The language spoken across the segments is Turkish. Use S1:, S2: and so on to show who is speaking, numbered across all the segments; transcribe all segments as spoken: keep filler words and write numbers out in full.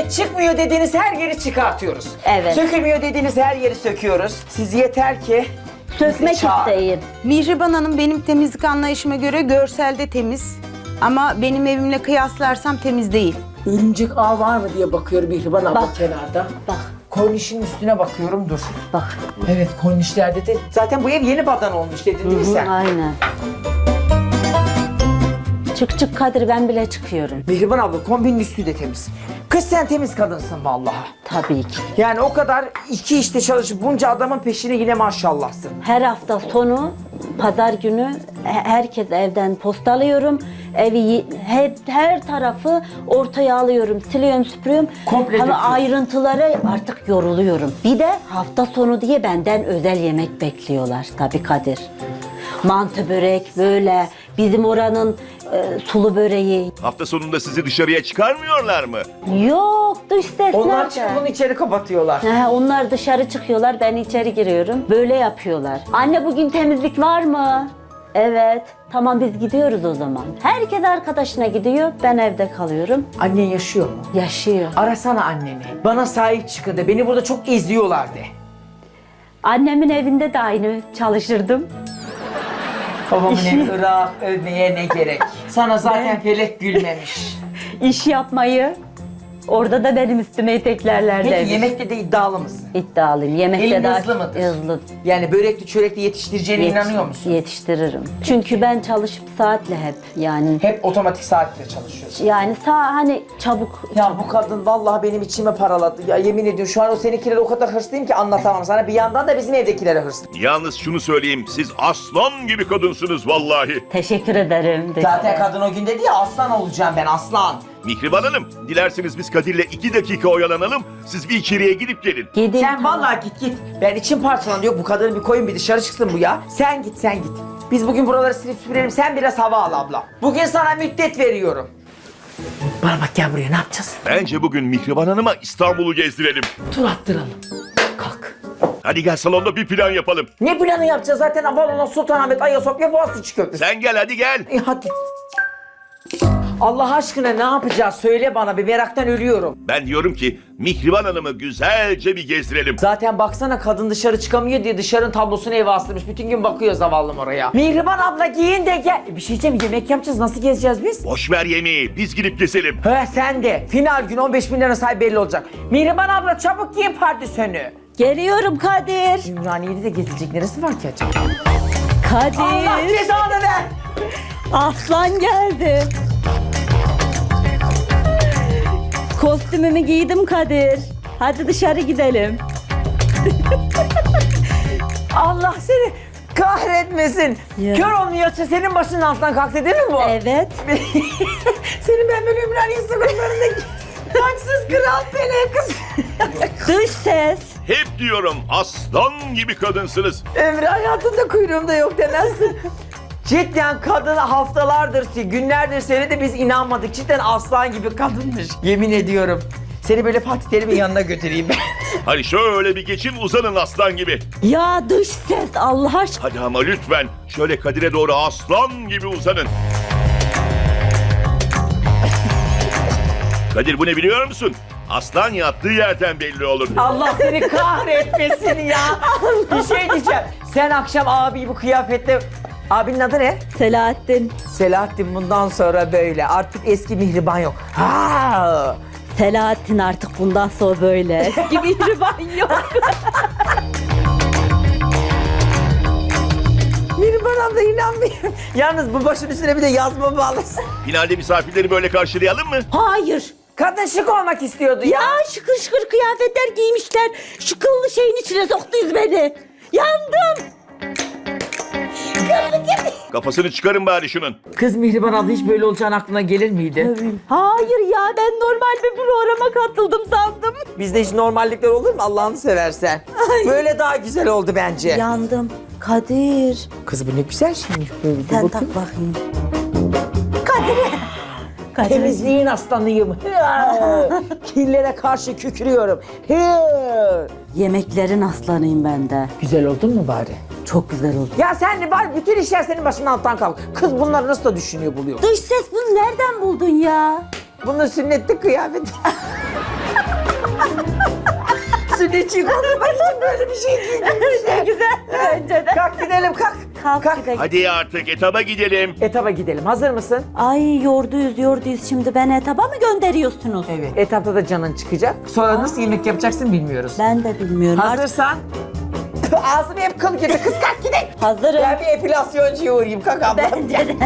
S1: Evet, çıkmıyor dediğiniz her yeri çıkartıyoruz.
S2: Evet.
S1: Sökülmüyor dediğiniz her yeri söküyoruz. Siz yeter ki
S2: Sökmek
S1: bizi çağırın.
S2: isteyin.
S3: Mihriban Hanım benim temizlik anlayışıma göre görselde temiz. Ama benim evimle kıyaslarsam temiz değil.
S1: Örümcek ağ var mı diye bakıyorum Mihriban abla
S2: Bak.
S1: kenarda.
S2: Bak,
S1: Kornişin üstüne bakıyorum, dur.
S2: bak.
S1: Evet, kornişlerde de zaten bu ev yeni badan olmuş dedin değil mi sen?
S2: Aynen. Çık çık Kadir, ben bile çıkıyorum.
S1: Mihriban abla kombinin üstü de temiz. Kız sen temiz kadınsın vallahi.
S2: Tabii ki.
S1: Yani o kadar iki işte çalışıp bunca adamın peşine yine maşallahsın.
S2: Her hafta sonu, pazar günü he- herkes evden postalıyorum. Evi y- her, her tarafı ortaya alıyorum, siliyorum, süpürüyorum.
S1: Komple
S2: Ama
S1: döküyorsun.
S2: ayrıntılara artık yoruluyorum. Bir de hafta sonu diye benden özel yemek bekliyorlar tabii Kadir. Mantı börek böyle, bizim oranın e, sulu böreği.
S4: Hafta sonunda sizi dışarıya çıkarmıyorlar mı?
S2: Yok, dış ses
S1: Onlar
S2: nerede?
S1: çıkıp bunu içeri kapatıyorlar.
S2: He, onlar dışarı çıkıyorlar, ben içeri giriyorum. Böyle yapıyorlar. Anne bugün temizlik var mı? Evet. Tamam biz gidiyoruz o zaman. Herkes arkadaşına gidiyor, ben evde kalıyorum.
S1: Annen yaşıyor mu?
S2: Yaşıyor.
S1: Arasana anneni. Bana sahip çıkın de. Beni burada çok eziyorlar de.
S2: Annemin evinde de aynı çalışırdım.
S1: Babamın evi Irak, övmeye ne gerek. Sana zaten felek gülmemiş.
S2: İş yapmayı orada da benim üstüme eteklerlerdi.
S1: Peki yemekte de iddialı mısın?
S2: İddialıyım. Yemekte
S1: Elin
S2: daha
S1: hızlı mıdır?
S2: hızlı.
S1: Yani börekli çörekli yetiştireceğine
S2: Yetiş-
S1: inanıyor musun?
S2: Yetiştiririm. Çünkü ben çalışıp saatle hep yani
S1: Hep otomatik saatle çalışıyorsun.
S2: yani sağ hani çabuk
S1: Ya bu kadın vallahi benim içime paraladı. Ya yemin ediyorum şu an o seninkilere o kadar hırslıyım ki anlatamam sana. Bir yandan da bizim evdekilere hırslıyım.
S4: Yalnız şunu söyleyeyim, siz aslan gibi kadınsınız vallahi.
S2: teşekkür ederim.
S1: Zaten kadın o gün dedi ya aslan olacağım ben aslan.
S4: Mihriban Hanım, dilerseniz biz Kadir'le iki dakika oyalanalım, siz bir içeriye gidip gelin.
S2: Gidin.
S1: Sen vallahi git git. Ben içim parçalandı. Yok bu kadını bir koyun bir dışarı çıksın bu ya. Sen git sen git. Biz bugün buraları silip süpürelim. Sen biraz hava al abla. Bugün sana müddet veriyorum. Bana bak gel buraya ne yapacağız?
S4: Bence bugün Mihriban Hanım'a İstanbul'u gezdirelim.
S1: Tur attıralım. Kalk.
S4: Hadi gel salonda bir plan yapalım.
S1: Ne planı yapacağız zaten Avalon'a Sultanahmet, Ayasofya, Boğaziçi Köprüsü.
S4: Sen gel hadi gel.
S1: E hadi. Allah aşkına ne yapacağız? Söyle bana bir meraktan ölüyorum.
S4: Ben diyorum ki Mihriban Hanım'ı güzelce bir gezdirelim.
S1: Zaten baksana kadın dışarı çıkamıyor diye dışarının tablosunu eve astırmış. Bütün gün bakıyor zavallım oraya. Mihriban abla giyin de gel. Bir şey diyeceğim yemek yapacağız. Nasıl gezeceğiz biz?
S4: Boş ver yemeği, biz gidip gezelim.
S1: He sen de. Final gün on beş bin lira sahibi belli olacak. Mihriban abla çabuk giyin pardösünü.
S2: Geliyorum Kadir.
S1: Ümraniye'de de gezilecek neresi var ki acaba?
S2: Kadir.
S1: Allah cezanı ver.
S2: Aslan geldi. Kostümümü giydim Kadir. Hadi dışarı gidelim.
S1: Allah seni kahretmesin.
S2: Ya.
S1: Kör olmuyorsa senin başının altından kalktı değil mi bu?
S2: Evet.
S1: Senin ben böyle Ümraniye sokaklarındaki haksız kral Pele kız.
S2: Dış ses.
S4: Hep diyorum aslan gibi kadınsınız.
S1: Ömrü hayatında kuyruğumda yok demezsin. Cidden kadın haftalardır, günlerdir söyledi biz inanmadık. Cidden aslan gibi kadınmış. Yemin ediyorum. Seni böyle Fatih Terim'in yanına götüreyim ben.
S4: Hadi şöyle bir geçin uzanın aslan gibi.
S2: Ya dış ses Allah aşkına.
S4: Hadi ama lütfen şöyle Kadir'e doğru aslan gibi uzanın. Kadir bu ne biliyor musun? Aslan yattığı yerden belli olur.
S1: Allah seni kahretmesin ya. Bir şey diyeceğim. Sen akşam abi bu kıyafetle... Abinin adı ne?
S2: Selahattin.
S1: Selahattin bundan sonra böyle. Artık eski Mihriban yok. Ha!
S2: Selahattin artık bundan sonra böyle. Eski mihriban yok.
S1: Mihriban abla inanmıyorum. Yalnız bu başın üstüne bir de yazma bağlasın.
S4: Finalde misafirleri böyle karşılayalım mı?
S2: Hayır.
S1: Kadın şık olmak istiyordu ya.
S2: Ya şıkır şıkır kıyafetler giymişler. Şu kıllı şeyin içine soktunuz beni. Yandım. Kıllı gibi.
S4: Kafasını çıkarın bari şunun.
S1: Kız Mihriban abla hiç böyle olacağın aklına gelir miydi?
S2: Hayır ya ben normal bir programa katıldım sandım.
S1: Bizde hiç normallikler olur mu Allah'ını seversen? Böyle daha güzel oldu bence.
S2: Yandım. Kadir.
S1: Kız bu ne güzel şeymiş böyle.
S2: Sen
S1: Bakın.
S2: tak bakayım. Kadir. Kadir.
S1: Temizliğin aslanıyım. Hı! Kirlere karşı kükrüyorum. Hı!
S2: Yemeklerin aslanıyım ben de.
S1: Güzel oldun mu bari?
S2: Çok güzel oldu.
S1: Ya sen de bari bütün işler senin başının altından kalk. Kız bunları nasıl da düşünüyor buluyor.
S2: Dış ses bunu nereden buldun ya?
S1: Bunun sünnetlik kıyafeti. Sünnetçiyi kandırmak için böyle bir şey giydirmişler.
S2: Ne güzel. Bence de.
S1: Kalk gidelim kalk.
S2: Kalk,
S1: Kalk.
S2: gidelim.
S4: Hadi artık etaba gidelim.
S1: Etaba gidelim. Hazır mısın?
S2: Ay yorduyuz yorduyuz şimdi ben etaba mı gönderiyorsunuz?
S1: Evet. Etapta da canın çıkacak. Sonra nasıl yemek yapacaksın bilmiyoruz.
S2: Ben de bilmiyorum. Artık
S1: Hazırsan. Ağzım hep kıl gibi. Kız kalk gidelim.
S2: hazırım.
S1: Ben bir epilasyoncuya uğrayayım. Kalk abla.
S2: Bence de.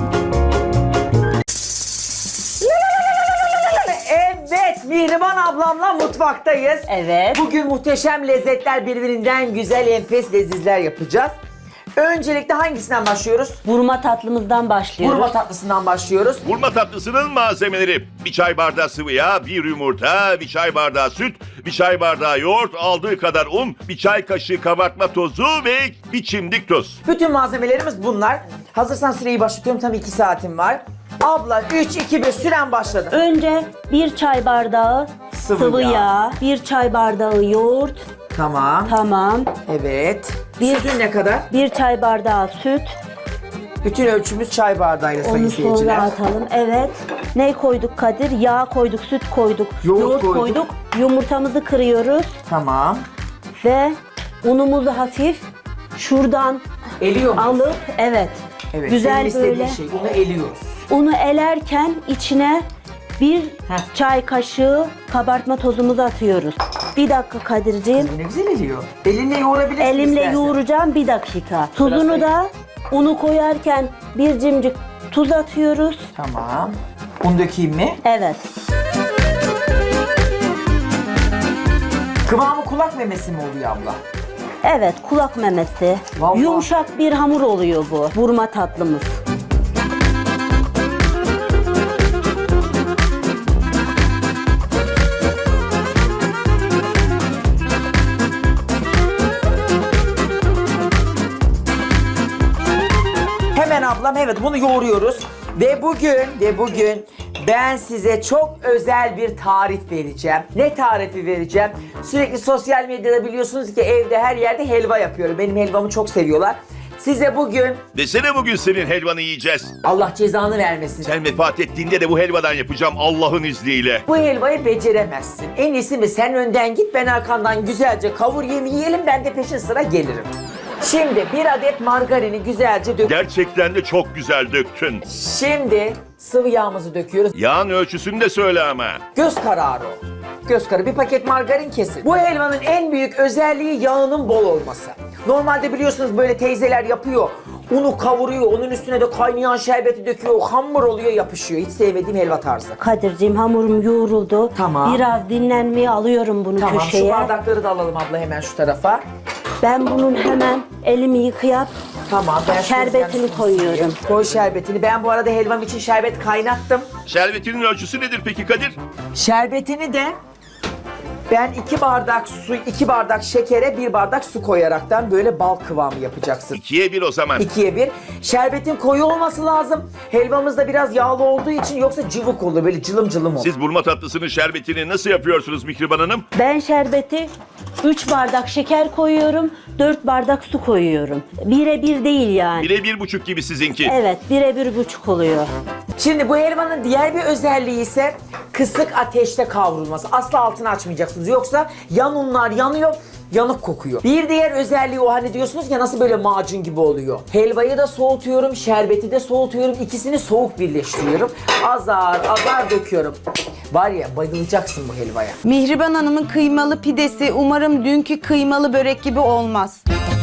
S1: Evet, Mihriban ablamla mutfaktayız.
S2: Evet.
S1: Bugün muhteşem lezzetler, birbirinden güzel enfes lezizler yapacağız. Öncelikle hangisinden başlıyoruz?
S2: Vurma tatlımızdan başlıyoruz.
S1: Vurma tatlısından başlıyoruz.
S4: Vurma tatlısının malzemeleri: bir çay bardağı sıvı yağ, bir yumurta, bir çay bardağı süt, bir çay bardağı yoğurt, aldığı kadar un, bir çay kaşığı kabartma tozu ve bir çimdik tuz.
S1: Bütün malzemelerimiz bunlar. Hazırsan süreyi başlatıyorum. Tam iki saatim var. Abla üç, iki, bir süren başladı.
S2: Önce bir çay bardağı
S1: Sıvı
S2: sıvı,
S1: yağ.
S2: yağ. bir çay bardağı yoğurt,
S1: Tamam.
S2: tamam.
S1: Evet.
S2: Bir-
S1: Sütün ne kadar?
S2: Bir çay bardağı süt,
S1: Bütün ölçümüz çay bardağıyla sayın
S2: onu sonra
S1: seyirciler.
S2: atalım. Evet. Ne koyduk Kadir? Yağ koyduk, süt koyduk,
S1: Yoğurt koyduk.
S2: koyduk. Yumurtamızı kırıyoruz
S1: Tamam.
S2: ve unumuzu hafif şuradan
S1: Eliyor muyuz?
S2: alıp evet.
S1: Evet.
S2: Güzel
S1: senin istediğin
S2: böyle.
S1: şey. Bunu eliyoruz.
S2: Unu elerken içine bir
S1: Heh.
S2: çay kaşığı kabartma tozumuzu atıyoruz. Bir dakika Kadir'ciğim.
S1: Bu ne güzel eliyor. Elinle yoğurabilirsin
S2: Elimle
S1: istersen.
S2: yoğuracağım bir dakika. Tuzunu da unu koyarken bir cimcik tuz atıyoruz.
S1: Tamam. Un dökeyim mi?
S2: Evet.
S1: Kıvamı kulak memesi mi oluyor abla?
S2: Evet, kulak memesi.
S1: Vallahi.
S2: Yumuşak bir hamur oluyor bu. Vurma tatlımız.
S1: Hemen ablam, evet, bunu yoğuruyoruz. Ve bugün ve bugün ben size çok özel bir tarif vereceğim. Ne tarifi vereceğim? Sürekli sosyal medyada biliyorsunuz ki evde her yerde helva yapıyorum. Benim helvamı çok seviyorlar. Size bugün
S4: Desene bugün senin helvanı yiyeceğiz.
S1: Allah cezanı vermesin.
S4: Sen vefat ettiğinde de bu helvadan yapacağım Allah'ın izniyle.
S1: Bu helvayı beceremezsin. En iyisi mi sen önden git, ben arkandan güzelce kavur yemi yiyelim, ben de peşin sıra gelirim. Şimdi bir adet margarini güzelce dök.
S4: Gerçekten de çok güzel döktün.
S1: Şimdi sıvı yağımızı döküyoruz.
S4: Yağın ölçüsünü de söyle ama.
S1: Göz kararı o. Göz kararı. Bir paket margarin kesin. Bu helvanın en büyük özelliği yağının bol olması. Normalde biliyorsunuz böyle teyzeler yapıyor. Unu kavuruyor, onun üstüne de kaynayan şerbeti döküyor. Hamur oluyor, yapışıyor. Hiç sevmediğim helva tarzı.
S2: Kadir'ciğim hamurum yoğruldu.
S1: Tamam.
S2: Biraz dinlenmeye alıyorum bunu
S1: Tamam,
S2: köşeye.
S1: şu bardakları da alalım abla hemen şu tarafa.
S2: Ben bunun hemen elimi yıkayıp
S1: Tamam, ben şu
S2: Şerbetini
S1: tezgahın
S2: koyuyorum.
S1: üstüne Koy şerbetini. Ben bu arada helvam için şerbet kaynattım.
S4: Şerbetinin ölçüsü nedir peki Kadir?
S1: Şerbetini de ben iki bardak su, iki bardak şekere bir bardak su koyaraktan böyle bal kıvamı yapacaksın.
S4: İkiye bir o zaman.
S1: İkiye bir. Şerbetin koyu olması lazım. Helvamız da biraz yağlı olduğu için, yoksa cıvık olur, böyle cılım cılım olur.
S4: Siz burma tatlısının şerbetini nasıl yapıyorsunuz Mihriban Hanım?
S2: ben şerbeti üç bardak şeker koyuyorum, dört bardak su koyuyorum. Bire bir değil yani.
S4: Bire bir buçuk gibi sizinki.
S2: Evet, bire bir buçuk oluyor.
S1: Şimdi bu helvanın diğer bir özelliği ise kısık ateşte kavrulması. Asla altını açmayacaksınız. Yoksa yan unlar yanıyor, yanık kokuyor. Bir diğer özelliği o, hani diyorsunuz ya nasıl böyle macun gibi oluyor. Helvayı da soğutuyorum, şerbeti de soğutuyorum. İkisini soğuk birleştiriyorum. Azar azar döküyorum. Var ya, bayılacaksın bu helvaya.
S3: Mihriban Hanım'ın kıymalı pidesi umarım dünkü kıymalı börek gibi olmaz.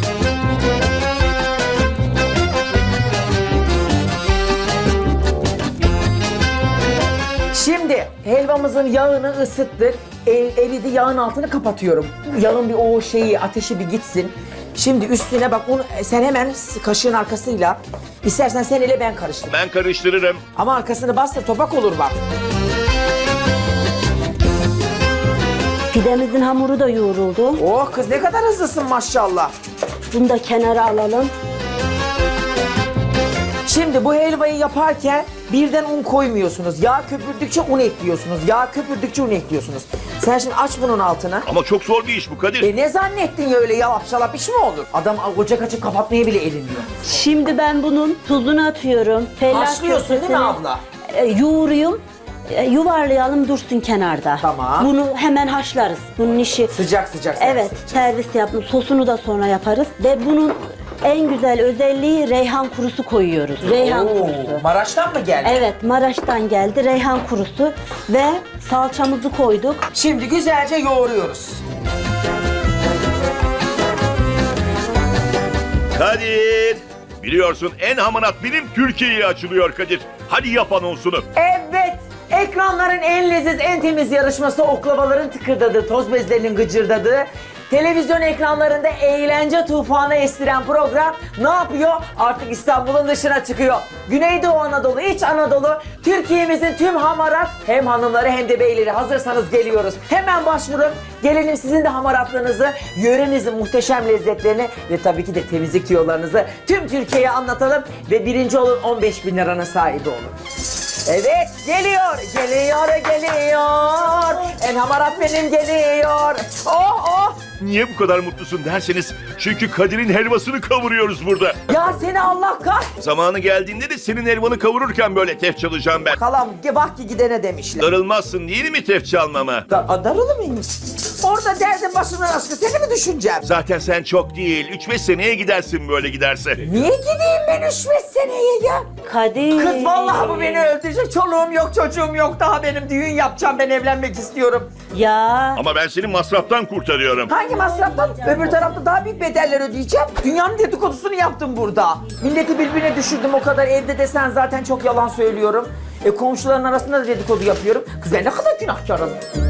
S1: Şimdi helvamızın yağını ısıttık. El, eridi, yağın altını kapatıyorum. Yağın bir o şeyi, ateşi bir gitsin. Şimdi üstüne bak, onu sen hemen kaşığın arkasıyla, istersen sen ele ben karıştır.
S4: Ben karıştırırım.
S1: Ama arkasını bas da topak olur bak.
S2: Pidemizin hamuru da yoğruldu.
S1: Oh kız, ne kadar hızlısın maşallah.
S2: Bunu da kenara alalım.
S1: Şimdi bu helvayı yaparken birden un koymuyorsunuz. Yağ köpürdükçe un ekliyorsunuz. Yağ köpürdükçe un ekliyorsunuz. Sen şimdi aç bunun altını.
S4: Ama çok zor bir iş bu Kadir.
S1: E ne zannettin ya, öyle yalap şalap iş mi olur? Adam ocak açıp kapatmaya bile elinmiyor.
S2: Şimdi ben bunun tuzunu atıyorum. Fellah
S1: Haşlıyorsun değil mi
S2: köftesini,
S1: abla?
S2: e, yoğuruyum. e, yuvarlayalım dursun kenarda.
S1: Tamam.
S2: Bunu hemen haşlarız. Bunun işi
S1: Sıcak sıcak servis
S2: evet
S1: edeceğiz.
S2: servis yaptım. Sosunu da sonra yaparız ve bunun en güzel özelliği reyhan kurusu koyuyoruz. Reyhan
S1: Oo,
S2: kurusu.
S1: Maraş'tan mı geldi?
S2: Evet, Maraş'tan geldi reyhan kurusu ve salçamızı koyduk.
S1: Şimdi güzelce yoğuruyoruz.
S4: Kadir! Biliyorsun en hamarat bilim Türkiye'ye açılıyor Kadir. Hadi yap anonsunu.
S1: Evet, ekranların en leziz, en temiz yarışması, oklavaların tıkırdadığı, toz bezlerinin gıcırdadığı, televizyon ekranlarında eğlence tufanı estiren program ne yapıyor? Artık İstanbul'un dışına çıkıyor. Güneydoğu Anadolu, İç Anadolu, Türkiye'mizin tüm hamarat hem hanımları hem de beyleri, hazırsanız geliyoruz. Hemen başvurun. Gelelim sizin de hamaratlığınızı, yörenizin muhteşem lezzetlerini ve tabii ki de temizlik tüyolarınızı tüm Türkiye'ye anlatalım ve birinci olun, on beş bin liranın sahibi olun. Evet, geliyor, geliyor, geliyor. En hamarat benim geliyor. Oh, oh.
S4: Niye bu kadar mutlusun derseniz çünkü Kadir'in helvasını kavuruyoruz burada.
S1: Ya seni Allah kah.
S4: Zamanı geldiğinde de senin helvanı kavururken böyle tef çalacağım ben.
S1: Kalam, bak ki gidene demişler.
S4: Darılmazsın değil mi tef çalmama?
S1: Da darılı mıyım? Orada derdin başımdan aşkı, seni mi düşüneceğim?
S4: Zaten sen çok değil, üç beş seneye gidersin böyle giderse.
S1: Niye gideyim ben üç beş seneye ya?
S2: Kadir.
S1: Kız vallahi bu beni öldürecek. Çoluğum yok, çocuğum yok. Daha benim düğün yapacağım. Ben evlenmek istiyorum.
S2: Ya.
S4: Ama ben seni masraftan kurtarıyorum.
S1: Hangi masraftan? Öbür tarafta daha büyük bedeller ödeyeceğim. Dünyanın dedikodusunu yaptım burada. Milleti birbirine düşürdüm o kadar. Evde de sen zaten çok yalan söylüyorum. E komşuların arasında da dedikodu yapıyorum. Kız ben ne kadar günahkarım.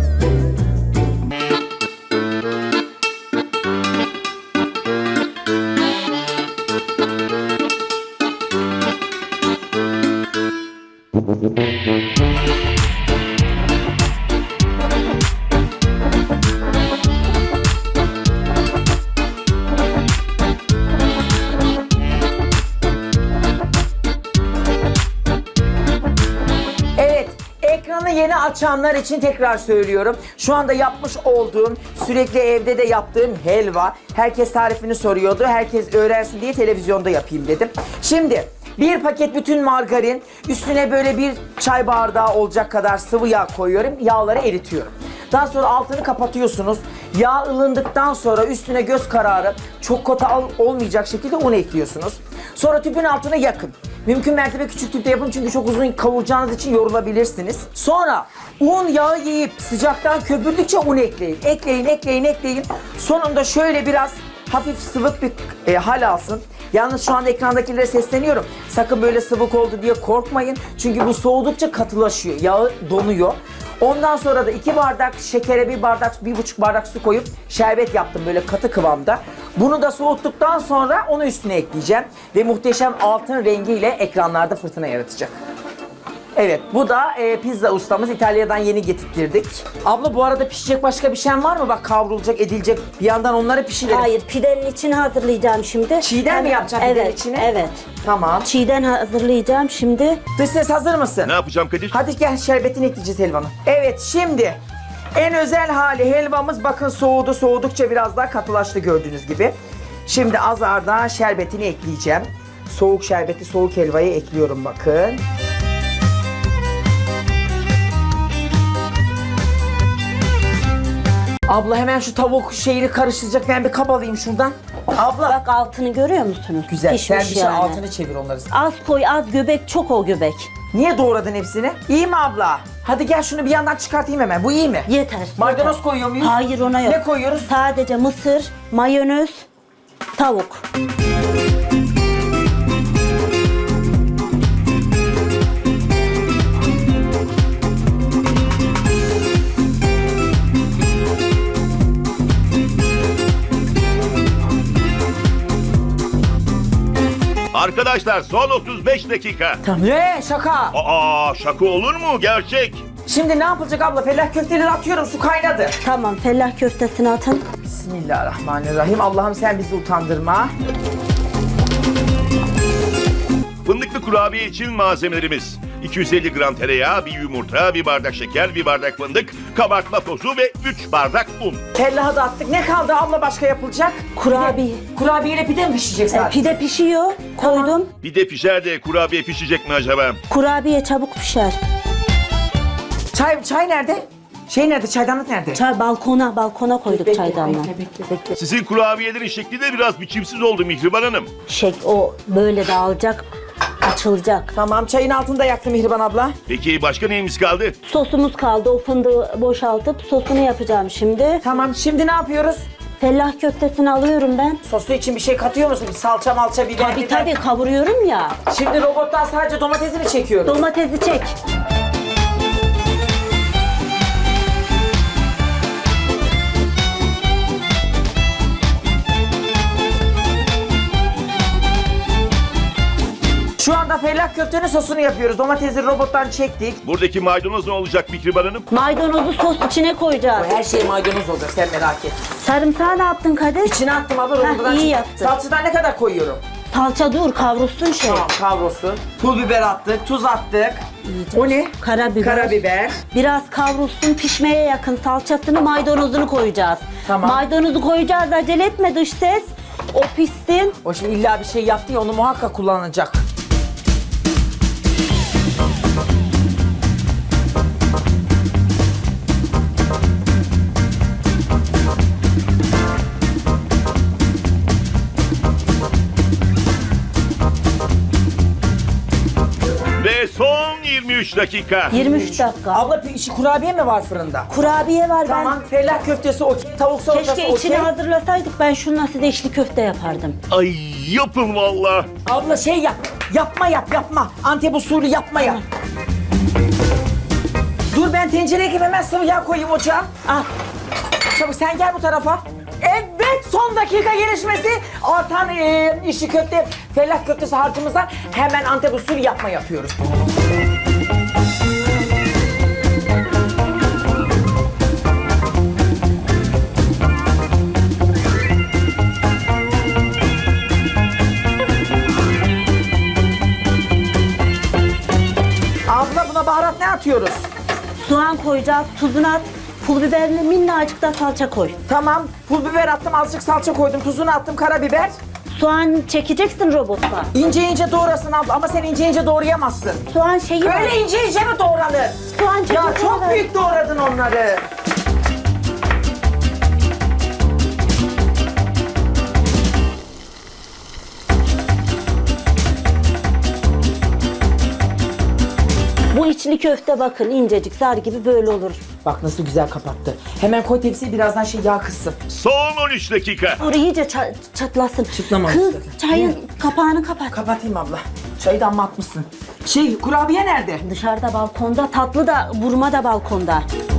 S1: Evet, ekranı yeni açanlar için tekrar söylüyorum. Şu anda yapmış olduğum, sürekli evde de yaptığım helva. Herkes tarifini soruyordu. Herkes öğrensin diye televizyonda yapayım dedim. Şimdi bir paket bütün margarin, üstüne böyle bir çay bardağı olacak kadar sıvı yağ koyuyorum. Yağları eritiyorum. Daha sonra altını kapatıyorsunuz. Yağ ılındıktan sonra üstüne göz kararı çok kota olmayacak şekilde un ekliyorsunuz. Sonra tüpün altını yakın. Mümkün mertebe küçük tüpte yapın çünkü çok uzun kavuracağınız için yorulabilirsiniz. Sonra un yağı yiyip sıcaktan köpürdükçe un ekleyin. Ekleyin, ekleyin, ekleyin. Sonunda şöyle biraz hafif sıvık bir e, hal alsın. Yalnız şu anda ekrandakilere sesleniyorum. Sakın böyle sıvık oldu diye korkmayın. Çünkü bu soğudukça katılaşıyor. Yağı donuyor. Ondan sonra da iki bardak şekere bir bardak, bir buçuk bardak su koyup şerbet yaptım böyle katı kıvamda. Bunu da soğuttuktan sonra onu üstüne ekleyeceğim. Ve muhteşem altın rengiyle ekranlarda fırtına yaratacak. Evet, bu da e, pizza ustamız. İtalya'dan yeni getirttirdik. Abla bu arada pişecek başka bir şeyin var mı? Bak kavrulacak, edilecek. Bir yandan onları pişirelim.
S2: Hayır, pidenin içini hazırlayacağım şimdi.
S1: Çiğden mi yapacaksın pidenin
S2: evet,
S1: içini?
S2: Evet.
S1: Tamam.
S2: Çiğden hazırlayacağım şimdi.
S1: Dış ses hazır mısın?
S4: Ne yapacağım Kadir?
S1: Hadi gel şerbetini ekleyeceğiz helvanın. Evet şimdi en özel hali helvamız bakın soğudu. Soğudukça biraz daha katılaştı gördüğünüz gibi. Şimdi azardan şerbetini ekleyeceğim. Soğuk şerbeti soğuk helvaya ekliyorum bakın. Abla hemen şu tavuk şeyini karıştıracak. Ben bir kap alayım şuradan. Abla.
S2: Bak altını görüyor musunuz?
S1: Güzel.
S2: Pişmiş
S1: Sen bir şey
S2: yani.
S1: altını çevir onları.
S2: Az koy, az göbek, çok o göbek.
S1: Niye doğradın hepsini? İyi mi abla? Hadi gel şunu bir yandan çıkartayım hemen. Bu iyi mi?
S2: Yeter.
S1: Maydanoz
S2: yeter.
S1: koyuyor muyuz?
S2: Hayır, ona yok.
S1: Ne koyuyoruz?
S2: Sadece mısır, mayonez, tavuk.
S4: Arkadaşlar son otuz beş dakika.
S1: Tamam. Ne? Şaka.
S4: Aa şaka olur mu? Gerçek.
S1: Şimdi ne yapılacak abla? Fellah köfteleri atıyorum. Su kaynadı.
S2: Tamam, fellah köftesini atın.
S1: Bismillahirrahmanirrahim. Allah'ım sen bizi utandırma.
S4: Fındıklı kurabiye için malzemelerimiz: iki yüz elli gram tereyağı, bir yumurta, bir bardak şeker, bir bardak fındık, kabartma tozu ve üç bardak un.
S1: Fellahı da attık. Ne kaldı abla başka yapılacak?
S2: Kurabiye.
S1: Pide, kurabiyeyle pide mi pişecek
S2: E,
S1: sadece?
S2: pide pişiyor,
S1: Tamam.
S2: koydum.
S4: Bir de pişer de kurabiye pişecek mi acaba?
S2: Kurabiye çabuk pişer.
S1: Çay çay nerede? Şey nerede? Çaydanlık nerede?
S2: Çay balkona, balkona koyduk
S1: Bekle,
S2: çaydanlığı.
S1: Bekle bekle bekle.
S4: Sizin kurabiyelerin şekli de biraz biçimsiz oldu Mihriban Hanım.
S2: Şey, o böyle dağılacak, açılacak.
S1: Tamam, çayın altında yaktım Mihriban abla.
S4: Peki başka neyimiz kaldı?
S2: Sosumuz kaldı. O fındığı boşaltıp sosunu yapacağım şimdi.
S1: Tamam, şimdi ne yapıyoruz?
S2: Fellah köftesini alıyorum ben.
S1: Sosu için bir şey katıyor musun? Bir salça malça biber
S2: Tabii
S1: biber.
S2: tabii kavuruyorum ya.
S1: Şimdi robottan sadece domatesi mi çekiyoruz?
S2: Domatesi çek.
S1: Şu anda fellah köftenin sosunu yapıyoruz. Domatesi robottan çektik.
S4: Buradaki maydanoz ne olacak Mihriban Hanım?
S2: Maydanozu sos içine koyacağız.
S1: Her şey maydanoz olacak, sen merak etme.
S2: Sarımsağı ne yaptın Kadir?
S1: İçine attım abla,
S2: Heh,
S1: robottan
S2: iyi
S1: çektim.
S2: yaptın.
S1: Salçadan ne kadar koyuyorum?
S2: Salça dur kavrulsun şey.
S1: Tamam, kavrulsun. Pul biber attık, tuz attık.
S2: İyice.
S1: O ne?
S2: Karabiber.
S1: Karabiber.
S2: Biraz kavrulsun, pişmeye yakın salçasını, maydanozunu koyacağız.
S1: Tamam.
S2: Maydanozu koyacağız, acele etme dış ses. O pişsin.
S1: O şimdi illa bir şey yaptı ya, onu muhakkak kullanacak.
S4: Ve son yirmi üç dakika.
S2: yirmi üç dakika.
S1: Abla işi kurabiye mi var fırında?
S2: Kurabiye var
S1: Tamam, fellah köftesi okey, tavuk
S2: ben.
S1: salatası
S2: Keşke
S1: okey.
S2: içine hazırlasaydık, ben şununla size içli köfte yapardım.
S4: Ay yapın valla.
S1: Abla şey yap, yapma yap yapma. Antep usulü yapma yap. Dur ben tencereye gibi hemen sıvı yağ koyayım ocağa.
S2: Al.
S1: Çabuk sen gel bu tarafa. Evet, son dakika gelişmesi. Artan e, işi köfte, fellah köftesi harcımızdan hemen Antep usulü yapma yapıyoruz. Abla buna baharat ne atıyoruz?
S2: Soğan koyacağız, tuzunu at, pul biberini minnacık da salça koy.
S1: Tamam, pul biber attım, azıcık salça koydum, tuzunu attım, karabiber.
S2: Soğan çekeceksin robotla.
S1: İnce ince doğrasın abla ama sen ince ince doğrayamazsın.
S2: Soğan şeyi var.
S1: Öyle ince ince mi doğranır?
S2: Soğan
S1: Ya
S2: çekirdeği
S1: çok
S2: var.
S1: büyük doğradın onları.
S2: Bu içli köfte bakın incecik zar gibi böyle olur.
S1: Bak nasıl güzel kapattı. Hemen koy tepsiye, birazdan şey yağ kızsın.
S4: Son on üç dakika.
S2: Dur iyice ça- çatlasın.
S1: Çıtlamamış
S2: Kız
S1: zaten.
S2: çayın kapağını kapat.
S1: Kapatayım abla. Çayı da amma atmışsın. Şey, kurabiye nerede?
S2: Dışarıda balkonda, tatlı da vurma da balkonda.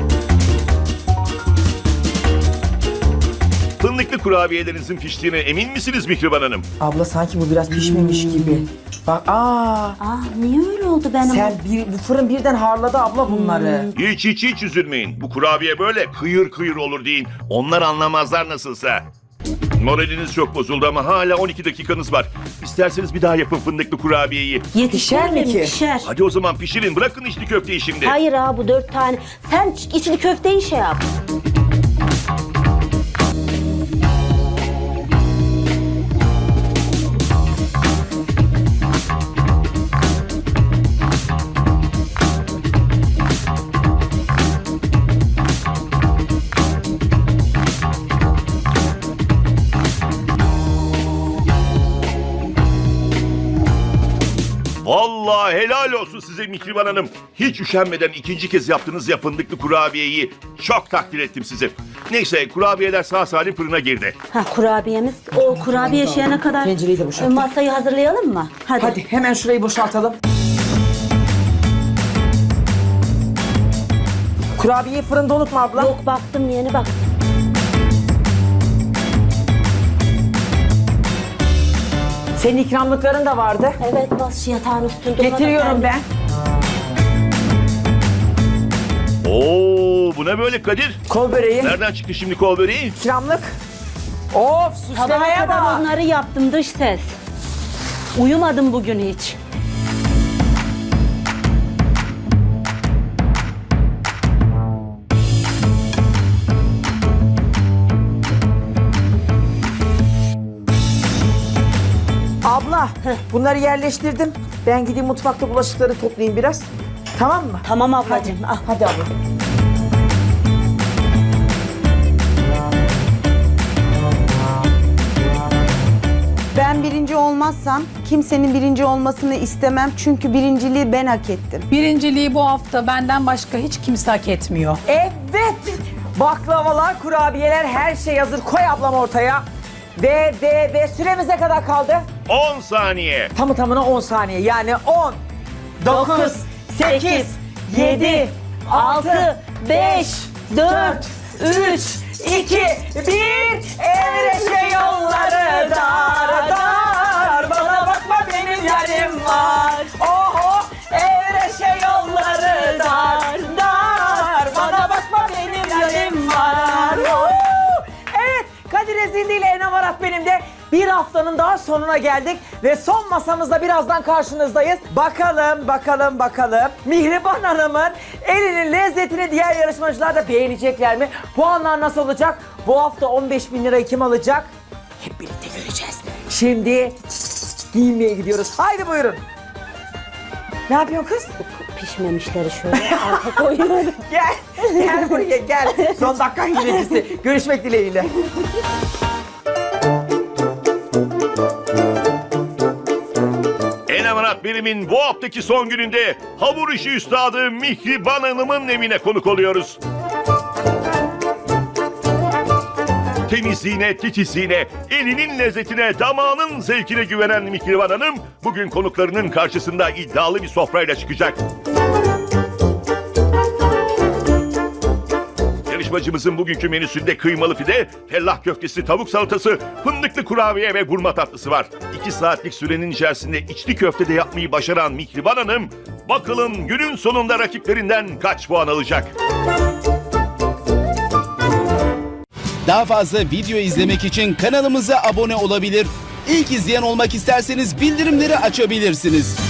S4: Fındıklı kurabiyelerinizin piştiğine emin misiniz Mihriban Hanım?
S1: Abla sanki bu biraz pişmemiş gibi. Bak aa.
S2: Aa niye öyle oldu benim?
S1: Sen bir, bu fırın birden harladı abla bunları.
S4: Hiç hiç hiç üzülmeyin. Bu kurabiye böyle kıyır kıyır olur deyin. Onlar anlamazlar nasılsa. Moraliniz çok bozuldu ama hala on iki dakikanız var. İsterseniz bir daha yapın fındıklı kurabiyeyi.
S2: Yetişer
S1: Pişer mi
S2: mi
S1: ki?
S2: Pişer.
S4: Hadi o zaman pişirin. Bırakın içli köfteyi şimdi.
S2: Hayır abi bu dört tane. Sen ç- içli köfteyi şey yap.
S4: Vallahi helal olsun size Mihriban Hanım. Hiç üşenmeden ikinci kez yaptığınız ya fındıklı kurabiyeyi. Çok takdir ettim sizi. Neyse kurabiyeler sağ salim fırına girdi.
S2: Ha kurabiyemiz. O kurabiye şeyine kadar
S1: Tencereyi de boşaltın.
S2: masayı hazırlayalım mı? Hadi.
S1: Hadi hemen şurayı boşaltalım. Kurabiyeyi fırında unutma abla.
S2: Yok baktım yeni bak.
S1: Senin ikramlıkların da vardı.
S2: Evet bas yatağın üstünde.
S1: Getiriyorum ben.
S4: Oo bu ne böyle Kadir?
S1: Kol böreği.
S4: Nereden çıktı şimdi kol böreği?
S1: İkramlık. Of,
S2: Sabaha
S1: süslemeye
S2: kadar
S1: bak.
S2: onları yaptım dış ses. Uyumadım bugün hiç.
S1: Abla, bunları yerleştirdim. Ben gideyim mutfakta bulaşıkları toplayayım biraz. Tamam mı?
S2: Tamam ablacığım. Al.
S1: Hadi abla.
S3: Ben birinci olmazsam kimsenin birinci olmasını istemem. Çünkü birinciliği ben hak ettim.
S5: Birinciliği bu hafta benden başka hiç kimse hak etmiyor.
S1: Evet. Baklavalar, kurabiyeler, her şey hazır. Koy ablam ortaya. Ve ve ve süremiz ne kadar kaldı?
S4: on saniye.
S1: Tamı tamına on saniye. Yani on, dokuz, sekiz, yedi, altı, beş, dört, üç, iki, bir. Evreşe yolları dar dar. Bana bakma benim yarim var. Oho, evreşe yolları dar dar. Bana bakma benim yarim var. Oho. Evet, Kadir Ezildi ile Enem Arat benim de bir haftanın daha sonuna geldik ve son masamızda birazdan karşınızdayız. Bakalım, bakalım, bakalım. Mihriban Hanım'ın elinin lezzetini diğer yarışmacılar da beğenecekler mi? Puanlar nasıl olacak? Bu hafta on beş bin lirayı kim alacak? Hep birlikte göreceğiz. Şimdi giyinmeye gidiyoruz. Haydi buyurun. Ne yapıyorsun kız?
S2: Pişmemişleri şöyle alta koyuyorum.
S1: Gel, gel buraya gel. Son dakika hilecisi. Görüşmek dileğiyle.
S4: Enem Arat Benim'in bu haftaki son gününde hamur işi üstadı Mihriban Hanım'ın evine konuk oluyoruz. Temizliğine, titizliğine, elinin lezzetine, damağının zevkine güvenen Mihriban Hanım bugün konuklarının karşısında iddialı bir sofrayla çıkacak. Yarışmacımızın bugünkü menüsünde kıymalı pide, fellah köftesi, tavuk salatası, fındıklı kurabiye ve gurme tatlısı var. İki saatlik sürenin içerisinde içli köfte de yapmayı başaran Mihriban Hanım, bakalım günün sonunda rakiplerinden kaç puan alacak?
S6: Daha fazla video izlemek için kanalımıza abone olabilir. İlk izleyen olmak isterseniz bildirimleri açabilirsiniz.